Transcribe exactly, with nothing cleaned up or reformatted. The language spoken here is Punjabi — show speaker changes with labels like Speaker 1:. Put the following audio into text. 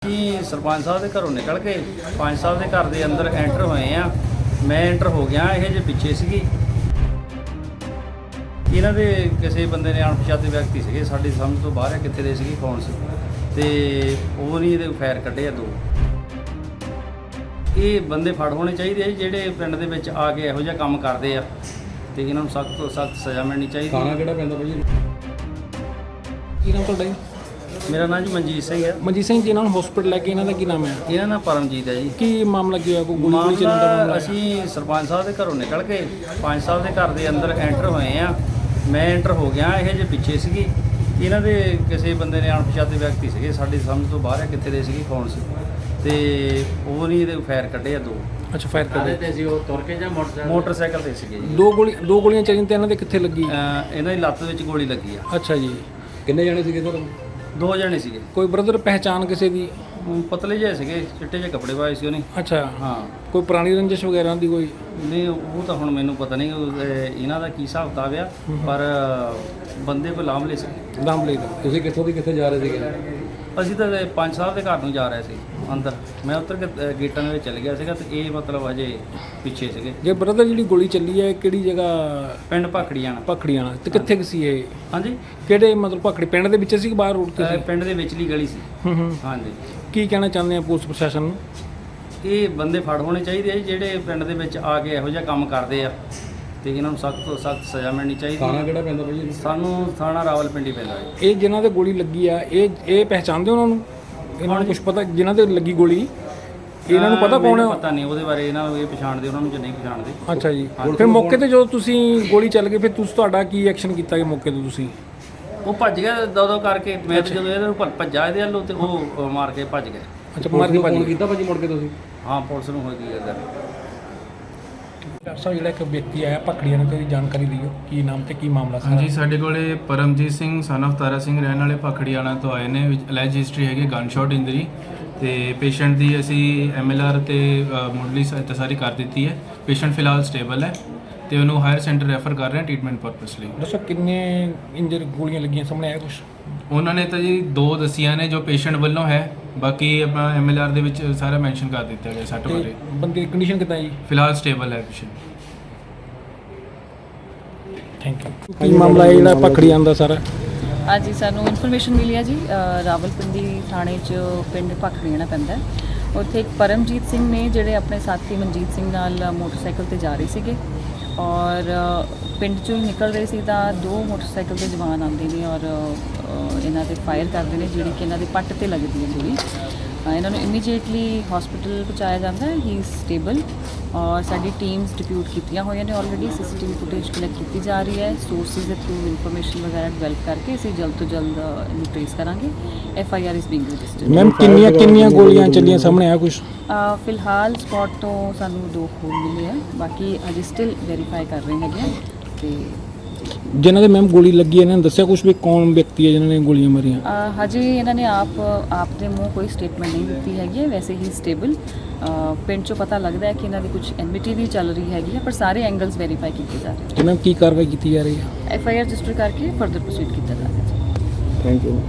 Speaker 1: ਅਸੀਂ ਸਰਪੰਚ ਸਾਹਿਬ ਦੇ ਘਰੋਂ ਨਿਕਲ ਕੇ ਪੰਜ ਸਾਹਿਬ ਦੇ ਘਰ ਦੇ ਅੰਦਰ ਐਂਟਰ ਹੋਏ ਆ। ਮੈਂ ਐਂਟਰ ਹੋ ਗਿਆ, ਇਹ ਜੇ ਪਿੱਛੇ ਸੀਗੀ। ਇਹਨਾਂ ਦੇ ਕਿਸੇ ਬੰਦੇ ਨੇ ਅਣਪਛਾਤੇ ਵਿਅਕਤੀ ਸੀਗੇ, ਸਾਡੀ ਸਮਝ ਤੋਂ ਬਾਹਰ ਹੈ ਕਿੱਥੇ ਦੇ ਸੀਗੇ, ਕੌਣ ਸੀ, ਤੇ ਉਹ ਨਹੀਂ ਇਹਦੇ ਫਾਇਰ ਕੱਢੇ ਆ ਦੋ। ਇਹ ਬੰਦੇ ਫੜ ਹੋਣੇ ਚਾਹੀਦੇ ਆ ਜੀ, ਜਿਹੜੇ ਪਿੰਡ ਦੇ ਵਿੱਚ ਆ ਕੇ ਇਹੋ ਜਿਹਾ ਕੰਮ ਕਰਦੇ ਆ, ਤੇ ਇਹਨਾਂ ਨੂੰ ਸਖਤ ਤੋਂ ਸਖਤ ਸਜ਼ਾ ਮਿਲਣੀ ਚਾਹੀਦੀ।
Speaker 2: ਥਾਣਾ ਕਿਹੜਾ ਪੈਂਦਾ ਭਾਈ?
Speaker 3: ਕੀ ਨਾਮ ਤੁਹਾਡਾ ਜੀ?
Speaker 1: ਮੇਰਾ ਨਾਮ ਜੀ ਮਨਜੀਤ ਸਿੰਘ ਹੈ।
Speaker 3: ਮਨਜੀਤ ਸਿੰਘ ਜੀ, ਇਹਨਾਂ ਨੂੰ ਹਸਪੀਟਲ ਲੈ ਕੇ ਇਹਨਾਂ ਦਾ ਕੀ ਨਾਮ ਹੈ?
Speaker 1: ਇਹਨਾਂ ਨਾਲ ਪਰਮਜੀਤ ਹੈ ਜੀ।
Speaker 3: ਕੀ ਮਾਮਲਾ ਕੀ ਹੋਇਆ? ਕੋਈ ਗੋਲੀ ਗੋਲੀ ਚੱਲਣ ਦਾ ਮਾਮਲਾ
Speaker 1: ਮਾਮਲਾ
Speaker 3: ਹੈ?
Speaker 1: ਅਸੀਂ ਸਰਪੰਚ ਸਾਹਿਬ ਦੇ ਘਰੋਂ ਨਿਕਲ ਕੇ ਪੰਜ ਸਾਹਿਬ ਦੇ ਘਰ ਦੇ ਅੰਦਰ ਐਂਟਰ ਹੋਏ ਆ। ਮੈਂ ਐਂਟਰ ਹੋ ਗਿਆ, ਇਹ ਜੇ ਪਿੱਛੇ ਸੀਗੀ। ਇਹਨਾਂ ਦੇ ਕਿਸੇ ਬੰਦੇ ਨੇ ਅਣਪਛਾਤੇ ਵਿਅਕਤੀ ਸੀਗੇ, ਸਾਡੀ ਸਮਝ ਤੋਂ ਬਾਹਰ ਹੈ ਕਿੱਥੇ ਦੇ ਸੀਗੇ, ਕੌਣ ਸੀ, ਤੇ ਉਹ ਨਹੀਂ ਇਹਦੇ ਫਾਇਰ ਕੱਢੇ ਆ ਦੋ।
Speaker 3: ਅੱਛਾ, ਫਾਇਰ ਕਰ
Speaker 1: ਤੇ ਸੀ ਉਹ ਤੁਰ ਕੇ ਜਾਂ ਮੋਟਰਸਾਈਕਲ ਮੋਟਰਸਾਈਕਲ ਤੇ ਸੀਗੇ ਜੀ।
Speaker 3: ਦੋ ਗੋਲੀ ਦੋ ਗੋਲੀਆਂ ਚੱਲੀਆਂ ਤੇ ਇਹਨਾਂ ਦੇ ਕਿੱਥੇ ਲੱਗੀ?
Speaker 1: ਅਹ ਇਹਨਾਂ ਦੀ ਲੱਤ ਵਿੱਚ ਗੋਲੀ ਲੱਗੀ ਆ।
Speaker 3: ਅੱਛਾ ਜੀ,
Speaker 2: ਕਿੰਨੇ ਜਣੇ ਸੀਗੇ ਸਰ?
Speaker 1: ਦੋ ਜਣੇ ਸੀਗੇ।
Speaker 3: ਕੋਈ ਬ੍ਰਦਰ ਪਹਿਚਾਣ ਕਿਸੇ ਦੀ?
Speaker 1: ਅਮ ਪਤਲੇ ਜਿਹੇ ਸੀਗੇ, ਚਿੱਟੇ ਜਿਹੇ ਕੱਪੜੇ ਪਾਏ ਸੀ ਉਹਨੇ।
Speaker 3: ਅੱਛਾ,
Speaker 1: ਹਾਂ।
Speaker 3: ਕੋਈ ਪੁਰਾਣੀ ਰੰਜਿਸ਼ ਵਗੈਰਾ ਦੀ ਕੋਈ?
Speaker 1: ਨਹੀਂ, ਉਹ ਤਾਂ ਹੁਣ ਮੈਨੂੰ ਪਤਾ ਨਹੀਂ ਉਹ, ਇਹ ਇਹਨਾਂ ਦਾ ਕੀ ਹਿਸਾਬ ਕਿਤਾਬ ਆ, ਪਰ ਬੰਦੇ ਕੋਈ ਲਾਮਲੇ ਸੀ।
Speaker 3: ਦਮ ਲੈ ਦਾ।
Speaker 2: ਤੁਸੀਂ ਕਿੱਥੋਂ ਦੀ ਕਿੱਥੇ ਜਾ ਰਹੇ ਸੀਗੇ?
Speaker 1: ਅਸੀਂ ਤਾਂ ਇਹ ਪੰਜ ਸਾਹਿਬ ਦੇ ਘਰ ਨੂੰ ਜਾ ਰਹੇ ਸੀ ਅੰਦਰ। ਮੈਂ ਉੱਤਰ ਕੇ ਅ, ਗੇਟਾਂ ਦੇ ਵਿੱਚ ਚਲ ਗਿਆ ਸੀਗਾ, ਤੇ ਇਹ ਮਤਲਬ ਅਜੇ ਪਿੱਛੇ ਸੀਗੇ।
Speaker 3: ਜੇ ਬ੍ਰਦਰ ਜਿਹੜੀ ਗੋਲੀ ਚੱਲੀ ਹੈ ਕਿਹੜੀ ਜਗ੍ਹਾ?
Speaker 1: ਪਿੰਡ ਭਾਖੜੀਆਂ ਨਾਲ।
Speaker 3: ਪਖੜੀਆਂ ਤੇ ਕਿੱਥੇ ਕੁ ਸੀ ਇਹ?
Speaker 1: ਹਾਂਜੀ,
Speaker 3: ਕਿਹੜੇ ਮਤਲਬ ਪਖੜੀ ਪਿੰਡ ਦੇ ਵਿੱਚ ਸੀ ਕਿ ਬਾਹਰ ਰੋਡ ਤੇ
Speaker 1: ਅ,
Speaker 3: ਸੀ?
Speaker 1: ਪਿੰਡ ਦੇ ਵਿਚਲੀ ਗਲੀ ਸੀ।
Speaker 3: ਹੂੰ ਹੂੰ।
Speaker 1: ਹਾਂਜੀ।
Speaker 3: ਕੀ ਕਹਿਣਾ ਚਾਹੁੰਦੇ ਆ ਪੁਲਿਸ ਪ੍ਰਸ਼ਾਸਨ ਨੂੰ?
Speaker 1: ਇਹ ਬੰਦੇ ਫੜ ਹੋਣੇ ਚਾਹੀਦੇ ਆ ਜੀ, ਜਿਹੜੇ ਪਿੰਡ ਦੇ ਵਿੱਚ ਆ ਕੇ ਇਹੋ ਜਿਹਾ ਕੰਮ ਕਰਦੇ ਆ, ਤੇ ਇਹਨਾਂ ਨੂੰ ਸਖਤ ਤੋਂ ਸਖਤ ਸਜ਼ਾ ਮਿਲਣੀ ਚਾਹੀਦੀ।
Speaker 2: ਥਾਣਾ ਕਿਹੜਾ ਪੈਂਦਾ ਭਾਈ?
Speaker 1: ਸਾਨੂੰ ਥਾਣਾ ਰਾਵਲਪਿੰਡੀ ਪੈਂਦਾ ਹੈ।
Speaker 3: ਇਹ ਜਿਨ੍ਹਾਂ ਦੇ ਗੋਲੀ ਲੱਗੀ ਆ, ਇਹ ਇਹ ਪਹਿਚਾਣਦੇ ਉਹਨਾਂ ਨੂੰ? ਇਹਨਾਂ ਨੂੰ ਕੁਝ ਪਤਾ ਜਿਨ੍ਹਾਂ ਦੇ ਲੱਗੀ ਗੋਲੀ? ਇਹਨਾਂ ਨੂੰ ਪਤਾ ਕੌਣ ਹੈ?
Speaker 1: ਮੈਨੂੰ ਪਤਾ ਨਹੀਂ ਉਹਦੇ ਬਾਰੇ, ਇਹਨਾਂ ਨੂੰ ਇਹ ਪਛਾਣਦੇ, ਉਹਨਾਂ ਨੂੰ ਜਾਂ ਨਹੀਂ ਪਛਾਣਦੇ।
Speaker 3: ਅੱਛਾ ਜੀ। ਫਿਰ ਮੌਕੇ ਤੇ ਜਦੋਂ ਤੁਸੀਂ ਗੋਲੀ ਚੱਲ ਗਈ, ਫਿਰ ਤੁਸੀਂ ਤੁਹਾਡਾ ਕੀ ਐਕਸ਼ਨ ਕੀਤਾ ਕਿ ਮੌਕੇ ਤੇ ਤੁਸੀਂ?
Speaker 1: ਉਹ ਭੱਜ ਗਿਆ ਦੋ ਦੋ ਕਰਕੇ। ਮੈਂ ਤਾਂ ਜਦੋਂ ਇਹਨੂੰ ਭੱਜ- ਭੱਜਾ ਇਹਦੇ ਵੱਲੋਂ, ਤੇ ਉਹ ਅ, ਮਾਰ ਕੇ ਭੱਜ ਗਏ।
Speaker 3: ਅੱਛਾ, ਮਾਰ ਕੇ ਭੱਜ
Speaker 2: ਫੋਨ
Speaker 3: ਗਏ।
Speaker 2: ਕੀਤਾ ਭਾਜੀ ਮੁੜ ਕੇ ਤੁਸੀਂ?
Speaker 1: ਹਾਂ, ਪੁਲਿਸ ਨੂੰ ਹੋ ਗਈ ਅਗਰ।
Speaker 3: ਡਾਕਟਰ ਸਾਹਿਬ, ਜਿਹੜਾ ਇੱਕ ਵਿਅਕਤੀ ਆਇਆ ਪਕੜੀਆਂ ਨੇ, ਤੇ ਜਾਣਕਾਰੀ ਦਿਓ ਕੀ ਨਾਮ ਤੇ ਕੀ ਮਾਮਲਾ ਸੀ?
Speaker 4: ਹਾਂਜੀ, ਸਾਡੇ ਕੋਲੇ ਪਰਮਜੀਤ ਸਿੰਘ ਸਨ of ਤਾਰਾ ਸਿੰਘ ਰਹਿਣ ਵਾਲੇ ਭਖੜੀਆਣਾ ਤੋਂ ਆਏ ਨੇ, ਵਿੱਚ ਅਲੈਜ ਹਿਸਟਰੀ ਹੈਗੀ ਗਨ ਸ਼ਾਟ ਇੰਜਰੀ, ਤੇ ਪੇਸ਼ੈਂਟ ਦੀ ਅਸੀਂ ਐਮ ਐਲ ਆਰ ਤੇ ਮੁੱਢਲੀ ਸਹਾਇਤਾ ਸਾਰੀ ਕਰ ਦਿੱਤੀ ਹੈ। ਪੇਸ਼ੈਂਟ ਫਿਲਹਾਲ ਸਟੇਬਲ ਹੈ, ਤੇ ਉਹਨੂੰ ਹਾਇਰ ਸੈਂਟਰ ਰੈਫਰ ਕਰ ਰਹੇ ਹਾਂ ਟ੍ਰੀਟਮੈਂਟ ਪਰਪਸ ਲਈ।
Speaker 3: ਦੱਸੋ ਕਿੰਨੇ ਇੰਜਰ ਗੋਲੀਆਂ ਲੱਗੀਆਂ, ਸਾਹਮਣੇ ਆਇਆ ਕੁਝ?
Speaker 4: ਉਹਨਾਂ ਨੇ ਤਾਂ ਜੀ ਦੋ ਦੱਸੀਆਂ ਨੇ ਜੋ ਪੇਸ਼ੈਂਟ ਵੱਲੋਂ ਹੈ, ਬਾਕੀ ਆਪਣਾ ਐਮ ਐਲ ਆਰ ਦੇ ਵਿੱਚ ਸਾਰਾ ਮੈਂਸ਼ਨ ਕਰ ਦਿੱਤਾ ਗਿਆ ਸੱਟ
Speaker 3: ਤੇ
Speaker 4: ਬਾਰੇ।
Speaker 3: ਬੰਦੇ ਦੀ ਕੰਡੀਸ਼ਨ ਕਿੱਦਾਂ ਜੀ?
Speaker 4: ਫਿਲਹਾਲ ਸਟੇਬਲ ਹੈ ਪੇਸ਼ੈਂਟ।
Speaker 3: Thank you. ਕੀ ਮਾਮਲਾ ਹੈ ਜਿਹੜਾ ਪਕੜੀਆਂ ਦਾ ਸਾਰਾ?
Speaker 5: ਅੱਜ ਹੀ ਸਾਨੂੰ ਇਨਫੋਰਮੇਸ਼ਨ ਮਿਲੀ ਹੈ ਜੀ, ਅ, ਰਾਵਲਪਿੰਡੀ ਥਾਣੇ 'ਚ ਪਿੰਡ ਭਾਖੜੀਆਣਾ ਪੈਂਦਾ ਹੈ। ਉੱਥੇ ਇੱਕ ਪਰਮਜੀਤ ਸਿੰਘ ਨੇ, ਜਿਹੜੇ ਆਪਣੇ ਸਾਥੀ ਮਨਜੀਤ ਸਿੰਘ ਨਾਲ ਮੋਟਰਸਾਈਕਲ ਤੇ ਜਾ ਰਹੇ ਸੀਗੇ, ਔਰ ਅ, ਪਿੰਡ 'ਚੋਂ ਹੀ ਨਿਕਲ ਰਹੇ ਸੀ ਤਾਂ ਦੋ ਮੋਟਰਸਾਈਕਲ ਦੇ ਜਵਾਨ ਆਉਂਦੇ ਨੇ, ਔਰ ਅ, ਇਹਨਾਂ ਤੇ ਫਾਇਰ ਕਰਦੇ ਨੇ, ਜਿਹੜੀ ਕਿ ਇਹਨਾਂ ਦੇ ਪੱਟ ਤੇ ਲੱਗਦੀ ਹੈ ਗੋਲੀ। ਅ, ਇਹਨਾਂ ਨੂੰ ਇਮੀਡੀਏਟਲੀ ਹਸਪੀਟਲ ਪਹੁੰਚਾਇਆ ਜਾਂਦਾ ਹੈ। ਹੀ ਇਜ਼ ਸਟੇਬਲ, ਔਰ ਸਾਡੀ ਟੀਮਸ ਡਿਪਿਊਟ ਕੀਤੀਆਂ ਹੋਈਆਂ ਨੇ ਆਲਰੇਡੀ। ਸੀਸੀਟੀਵੀ ਫੁਟੇਜ ਕਲੈਕਟ ਕੀਤੀ ਜਾ ਰਹੀ ਹੈ। ਸੋਰਸਿਸ ਦੇ ਥਰੂ ਇਨਫੋਰਮੇਸ਼ਨ ਵਗੈਰਾ ਡਿਵੈਲਪ ਕਰਕੇ ਅਸੀਂ ਜਲਦ ਤੋਂ ਜਲਦ ਇਹਨੂੰ ਟ੍ਰੇਸ ਕਰਾਂਗੇ। F I R is being registered.
Speaker 3: Ma'am, ਕਿੰਨੀਆਂ ਕਿੰਨੀਆਂ ਗੋਲੀਆਂ ਚੱਲੀਆਂ, ਸਾਹਮਣੇ ਆਇਆ ਕੁਝ?
Speaker 5: ਫਿਲਹਾਲ ਸਪੌਟ ਤੋਂ ਸਾਨੂੰ ਦੋ ਖੋਲ ਮਿਲੇ ਆ, ਬਾਕੀ ਅਜੇ ਸਟਿਲ ਵੈਰੀਫਾਈ ਕਰ ਰਹੇ ਹੈਗੇ ਆ। ਤੇ
Speaker 3: ਜਿਨ੍ਹਾਂ ਦੇ ਮੈਮ ਗੋਲੀ ਲੱਗੀ ਹੈ, ਇਹਨਾਂ ਨੇ ਦੱਸਿਆ ਕੁਝ ਵੀ ਕੌਣ ਵਿਅਕਤੀ ਹੈ ਜਿਨ੍ਹਾਂ ਨੇ ਗੋਲੀਆਂ ਮਾਰੀਆਂ?
Speaker 5: ਅ, ਹਜੇ ਇਹਨਾਂ ਨੇ ਆਪ ਆਪ ਦੇ ਮੂੰਹ ਕੋਈ ਸਟੇਟਮੈਂਟ ਨਹੀਂ ਦਿੱਤੀ ਹੈਗੀ ਹੈ। ਵੈਸੇ ਹੀ ਸਟੇਬਲ, ਪਿੰਡ 'ਚੋਂ ਪਤਾ ਲੱਗਦਾ ਹੈ ਕਿ ਇਹਨਾਂ ਦੀ ਕੁਝ ਐਨਮਿਟੀ ਵੀ ਚੱਲ ਰਹੀ ਹੈਗੀ ਹੈ, ਪਰ ਸਾਰੇ ਐਂਗਲਸ ਵੈਰੀਫਾਈ ਕੀਤੇ ਜਾ ਰਹੇ।
Speaker 3: ਤੇ ਮੈਮ ਕੀ ਕਾਰਵਾਈ ਕੀਤੀ ਜਾ ਰਹੀ ਹੈ?
Speaker 5: ਐਫ ਆਈ ਆਰ ਰਜਿਸਟਰ ਕਰਕੇ ਫਰਦਰ ਪ੍ਰੋਸੀਡ ਕੀਤਾ ਜਾ ਰਿਹਾ ਹੈ।
Speaker 3: Thank you.